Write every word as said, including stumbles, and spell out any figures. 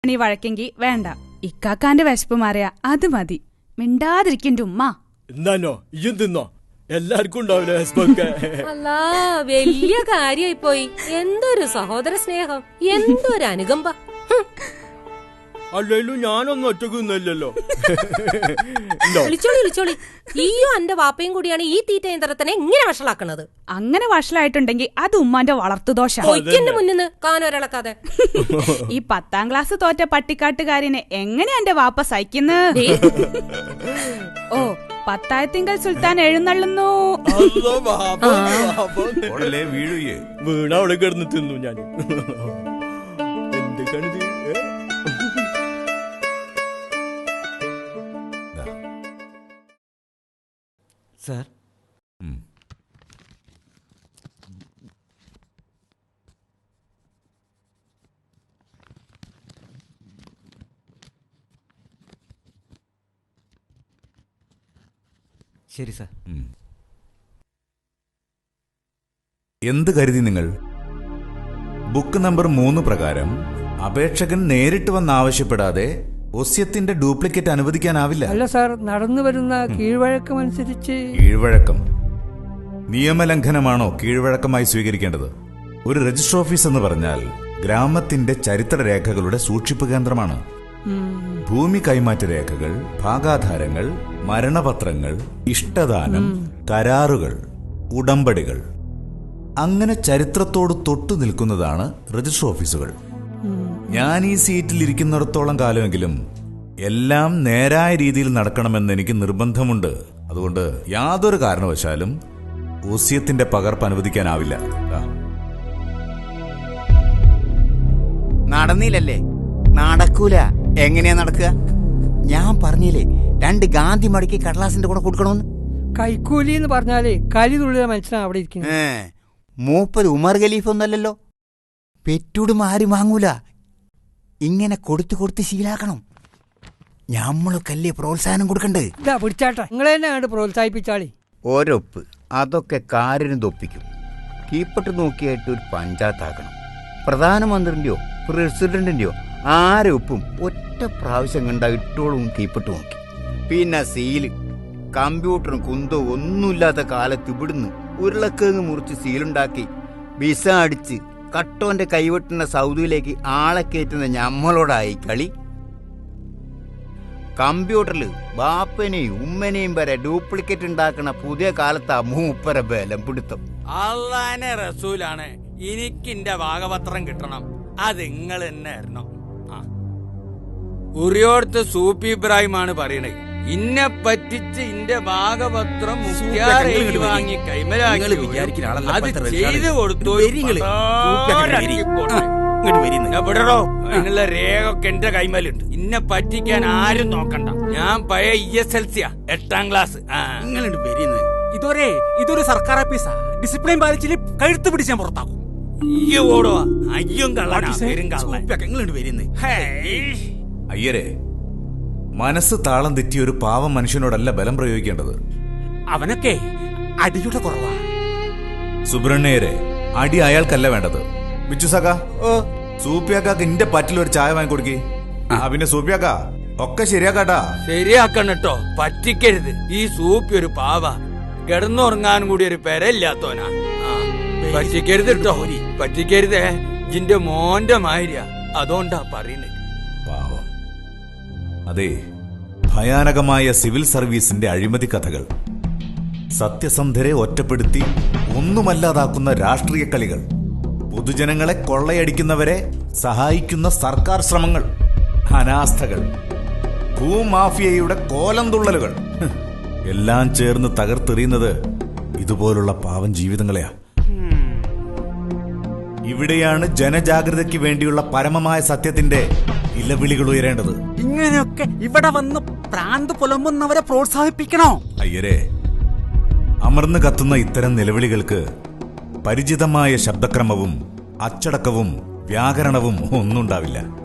നീ വഴക്കെങ്കി വേണ്ട. ഇക്കാക്കാന്റെ വിശപ്പ് മാറിയ അത് മതി. മിണ്ടാതിരിക്കന്റെ ഉമ്മ. എന്താണോ ഇയും തിന്നോ? എല്ലാവർക്കും ഉണ്ടാവില്ല വിശപ്പൊക്കെ. അല്ലാ, വലിയ കാര്യമായി പോയി. എന്തൊരു സഹോദര സ്നേഹം, എന്തൊരു അനുകമ്പ. അല്ലേലും ഞാനൊന്നും ഒറ്റക്കൊന്നുമല്ലല്ലോ. വിളിച്ചോളി വിളിച്ചോളി. ഈയോ എന്റെ വാപ്പയും കൂടിയാണ് ഈ തീറ്റ യന്ത്രത്തിനെ ഇങ്ങനെ വഷളാക്കണത്. അങ്ങനെ വഷളായിട്ടുണ്ടെങ്കിൽ അത് ഉമ്മാന്റെ വളർത്തുദോഷ. ഒയ്ക്കന്റെ മുന്നിന്ന് കാനൊരളക്കാതെ. ഈ പത്താം ക്ലാസ് തോറ്റ പട്ടിക്കാട്ടുകാരിനെ എങ്ങനെ എന്റെ വാപ്പ സഹിക്കുന്നത്? ഓ, പത്തായത്തിങ്കൽ സുൽത്താൻ എഴുന്നള്ളുന്നു. വീണ അവിടെ കിടന്ന് തിന്നു ഞാൻ. എന്തൊക്കെയാണിത്? സാർ, ശരി സാർ. എന്ത് കരുതി നിങ്ങൾ? ബുക്ക് നമ്പർ മൂന്ന് പ്രകാരം അപേക്ഷകൻ നേരിട്ട് വന്ന് ആവശ്യപ്പെടാതെ ഒസ്യത്തിന്റെ ഡ്യൂപ്ലിക്കേറ്റ് അനുവദിക്കാനാവില്ല. അല്ല സാർ, നടന്നു വരുന്ന കീഴ്വഴക്കം അനുസരിച്ച്. കീഴ്വഴക്കം നിയമലംഘനമാണോ കീഴ്വഴക്കമായി സ്വീകരിക്കേണ്ടത്? ഒരു രജിസ്റ്റർ ഓഫീസ് എന്ന് പറഞ്ഞാൽ ഗ്രാമത്തിന്റെ ചരിത്രരേഖകളുടെ സൂക്ഷിപ്പ് കേന്ദ്രമാണ്. ഭൂമി കൈമാറ്റ രേഖകൾ, ഭാഗാധാരങ്ങൾ, മരണപത്രങ്ങൾ, ഇഷ്ടദാനം, കരാറുകൾ, ഉടമ്പടികൾ, അങ്ങനെ ചരിത്രത്തോട് തൊട്ടു നിൽക്കുന്നതാണ് രജിസ്റ്റർ ഓഫീസുകൾ. ഞാൻ ഈ സീറ്റിൽ ഇരിക്കുന്നിടത്തോളം കാലമെങ്കിലും എല്ലാം നേരായ രീതിയിൽ നടക്കണമെന്ന് എനിക്ക് നിർബന്ധമുണ്ട്. അതുകൊണ്ട് യാതൊരു കാരണവശാലും ഒസ്യത്തിന്റെ പകർപ്പ് അനുവദിക്കാനാവില്ല. നടന്നില്ലല്ലേ? നടക്കൂല. എങ്ങനെയാ നടക്കുക? ഞാൻ പറഞ്ഞില്ലേ, രണ്ട് ഗാന്ധി മടക്കി കടലാസിന്റെ കൂടെ കൊടുക്കണമെന്ന്. കൈക്കൂലി എന്ന് പറഞ്ഞാലേ കലി തുള്ളിയ മനുഷ്യനാണ് അവിടെ ഇരിക്കുന്നത്. മൂപ്പര് ഉമർ ഖലീഫ് ഒന്നല്ലല്ലോ. പെറ്റൂടും ആരും വാങ്ങൂല. ഇങ്ങനെ കൊടുത്തു കൊടുത്ത് ശീലാക്കണം. ഞമ്മളൊക്കെ അല്ലേ പ്രോത്സാഹനം കൊടുക്കണ്ടേ? ഇതാ പിടിച്ചാട്ടെ, നിങ്ങളെ തന്നെ കണ്ട് പ്രോത്സാഹിപ്പിച്ചാളി. ഒരൊപ്പ് അതൊക്കെ കാര്യം തൊപ്പിക്കും. കീപ്പട്ട് നോക്കിയായിട്ട് ഒരു പഞ്ചായത്താക്കണം. പ്രധാനമന്ത്രിന്റെയോ പ്രസിഡന്റിന്റെയോ ആരെ ഒപ്പും ഒറ്റ പ്രാവശ്യം കണ്ട ഇട്ടോളും കീപ്പട്ട് നോക്കി. പിന്നെ സീല്, കമ്പ്യൂട്ടറും കുന്തോ ഒന്നുമില്ലാത്ത കാലത്ത് ഇവിടുന്ന് ഉരുളക്കിഴങ്ങ് മുറിച്ച് സീലുണ്ടാക്കി വിസ അടിച്ച് കട്ടോന്റെ കൈവെട്ടുന്ന സൗദിയിലേക്ക് ആളെ കയറ്റുന്ന ഞമ്മളോടായി കളി. കമ്പ്യൂട്ടറിൽ ബാപ്പനെയും ഉമ്മനെയും വരെ ഡ്യൂപ്ലിക്കേറ്റ് ഉണ്ടാക്കുന്ന പുതിയ കാലത്താ മൂപ്പര ബലം പിടുത്തം. അള്ളാനെ റസൂലാണ്. എനിക്കിന്റെ ഭാഗപത്രം കിട്ടണം. അത് നിങ്ങൾ തന്നെ ആയിരുന്നു. ഉറിയോടത്ത് സൂപ്പി ഇബ്രാഹിമാണ് പറയണേ. ഇന്നെ പറ്റിച്ച് ഇന്റെ ഭാഗപത്രം വാങ്ങി കൈമലാക്കി അത് ചെയ്തു കൊടുത്തു. എവിടെടോ നിങ്ങളുടെ രേഖ ഒക്കെ എന്റെ കൈമലുണ്ട്. ഇന്നെ പറ്റിക്കാൻ ആരും നോക്കണ്ട. ഞാൻ പഴയ ഇ എസ് എൽ സിയാ, എട്ടാം ക്ലാസ്. ഇതൊരേ ഇതൊരു സർക്കാർ ഓഫീസാ. ഡിസിപ്ലിൻ പാലിച്ചില് കഴുത്ത് പിടിച്ചാൻ പുറത്താക്കും. അയ്യോ ഓടോ, അയ്യും കള്ളനാ, പേരും കള്ളൻ. അയ്യരെ, മനസ്സ് താളം തെറ്റിയ ഒരു പാവം മനുഷ്യനോടല്ല ബലം പ്രയോഗിക്കേണ്ടത്. അവനൊക്കെ അടിയുടെ കുറവാ. സുബ്രഹ്മണ്യരെ, അടി അയാൾക്കല്ല വേണ്ടത്. ബിച്ചുസക്ക, സൂപ്പിയാക്കാക്ക് ഇന്റെ പറ്റിൽ ഒരു ചായ വാങ്ങിക്കൊടുക്കി. ആ പിന്നെ സൂപ്പിയാക്ക ഒക്കെ ശരിയാക്കാട്ടാ. ശരിയാക്കണട്ടോ, പറ്റിക്കരുത്. ഈ സൂപ്പി ഒരു പാവ, കിടന്നുറങ്ങാനും കൂടി ഒരു പെരയില്ലാത്തോനാ. പറ്റിക്കരുത് കേട്ടോ, പറ്റിക്കരുതേ. ജിന്റെ മോന്റെ മാതിരിയാ, അതുകൊണ്ടാ പറയുന്നത്. പാവം. അതെ, ഭയാനകമായ സിവിൽ സർവീസിന്റെ അഴിമതി കഥകൾ, സത്യസന്ധരെ ഒറ്റപ്പെടുത്തി ഒന്നുമല്ലാതാക്കുന്ന രാഷ്ട്രീയ കളികൾ, പൊതുജനങ്ങളെ കൊള്ളയടിക്കുന്നവരെ സഹായിക്കുന്ന സർക്കാർ ശ്രമങ്ങൾ, അനാസ്ഥകൾ, ഭൂമാഫിയയുടെ കോലം തുള്ളലുകൾ, എല്ലാം ചേർന്ന് തകർത്തെറിയുന്നത് ഇതുപോലുള്ള പാവം ജീവിതങ്ങളെയാ. ഇവിടെയാണ് ജനജാഗ്രതയ്ക്ക് വേണ്ടിയുള്ള പരമമായ സത്യത്തിന്റെ ഇലവിളികൾ ഉയരേണ്ടത്. ഇങ്ങനെയൊക്കെ ഇവിടെ വന്ന് പ്രാന്ത് പുലമ്പുന്നവരെ പ്രോത്സാഹിപ്പിക്കണോ? അയ്യരെ, അമർന്നു കത്തുന്ന ഇത്തരം നിലവിളികൾക്ക് പരിചിതമായ ശബ്ദക്രമവും അച്ചടക്കവും വ്യാകരണവും ഒന്നുണ്ടാവില്ല.